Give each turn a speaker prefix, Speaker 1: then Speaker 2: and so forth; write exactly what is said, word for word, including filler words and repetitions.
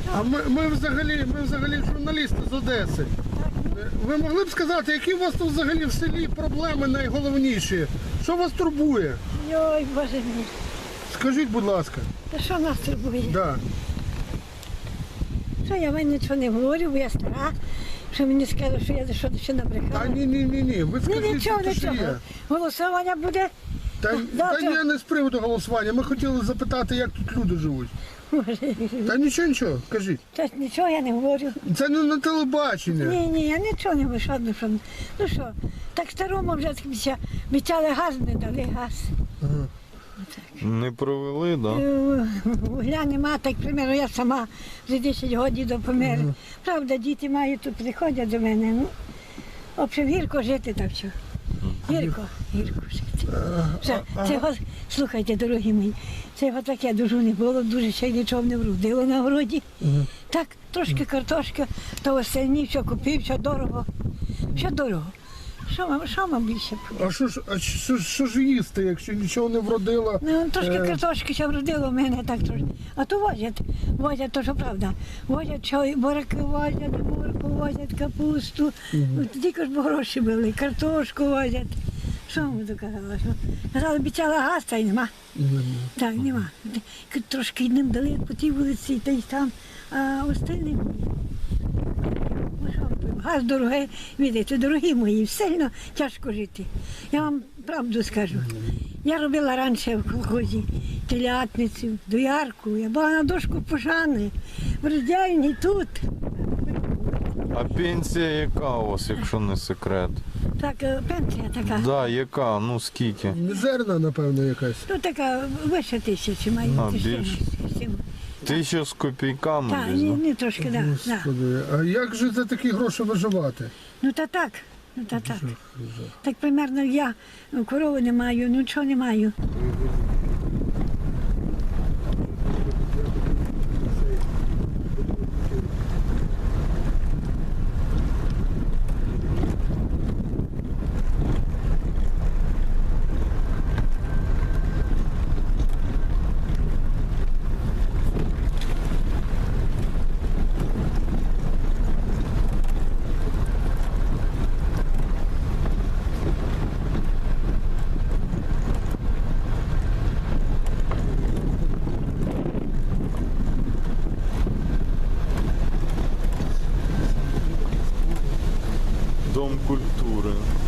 Speaker 1: А ми, ми, взагалі, ми взагалі журналісти з Одеси. Ви могли б сказати, які у вас тут взагалі в селі проблеми найголовніші? Що вас турбує?
Speaker 2: Ой, Боже мій.
Speaker 1: Скажіть, будь ласка.
Speaker 2: Та що нас турбує?
Speaker 1: Да.
Speaker 2: Що я вам нічого не говорю, бо я стара. Що мені сказали, що я за що ще набрехала.
Speaker 1: Та ні, ні, ні, ні. Ви
Speaker 2: Ні,
Speaker 1: скажіть,
Speaker 2: нічого,
Speaker 1: що
Speaker 2: нічого.
Speaker 1: є.
Speaker 2: Голосування буде.
Speaker 1: Та,
Speaker 2: Да,
Speaker 1: та
Speaker 2: це-
Speaker 1: ні, не з приводу голосування. Ми хотіли запитати, як тут люди живуть.
Speaker 2: Боже.
Speaker 1: Та нічого, нічого, кажіть.
Speaker 2: Та нічого я не говорю.
Speaker 1: Це не на телебачення.
Speaker 2: Ні, ні, я нічого не вийшла. Ну що, ну що, так старому вже обіця- обіцяли газ, не дали газ.
Speaker 1: Ага.
Speaker 3: Не провели, да?
Speaker 2: Е, Вугля нема, так, примерно, я сама вже десять років до помер. Правда, діти мають тут приходять до мене. Ну, в общем, гірко жити так що. Гірко, гірко жити. Все, це його, слухайте, дорогі мої, це його таке дуже не було, дуже ще й нічого не вродило на городі. Так, трошки картошки, то остальні, все купив, все дорого. Все дорого. Що вам, що вам більше?
Speaker 1: А що ж, а що, ж- що ж їсти, якщо нічого не вродило?
Speaker 2: Ну, трошки
Speaker 1: Е.
Speaker 2: картошки ще вродило в мене так трошки. А то возять, возять, то що правда. Возять, що і буряки возять, і морку возять, капусту. От тільки ж бо гроші були, картошку возять. Що вам буду казала? Що? Казала, обіцяла газ, та й нема. Так, нема. Трошки їм дали по тій вулиці, та й там, а остальним ні. Ну, що ви, газ дорогий, видите, дорогі мої, сильно тяжко жити. Я вам правду скажу. Я робила раніше в колхозі телятницю, доярку, я була на дошку пожани, в роздільні тут.
Speaker 3: А пенсія яка у вас, якщо не секрет?
Speaker 2: Так, е, пенсія така.
Speaker 3: Да, яка? Ну скільки?
Speaker 1: Мізерна, напевно, якась.
Speaker 2: Ну така вище тисячі має.
Speaker 3: А,
Speaker 2: чи
Speaker 3: більше.
Speaker 2: чимось, чимось.
Speaker 3: Тисяча з копійками
Speaker 2: Так,
Speaker 3: десь,
Speaker 2: ні,
Speaker 3: да?
Speaker 2: ні, трошки, так. Да, да.
Speaker 1: Господи, а як же за такі гроші виживати?
Speaker 2: Ну та так, ну та так. Так примерно я ну, корови не маю, ну чого не маю.
Speaker 3: Дом культури.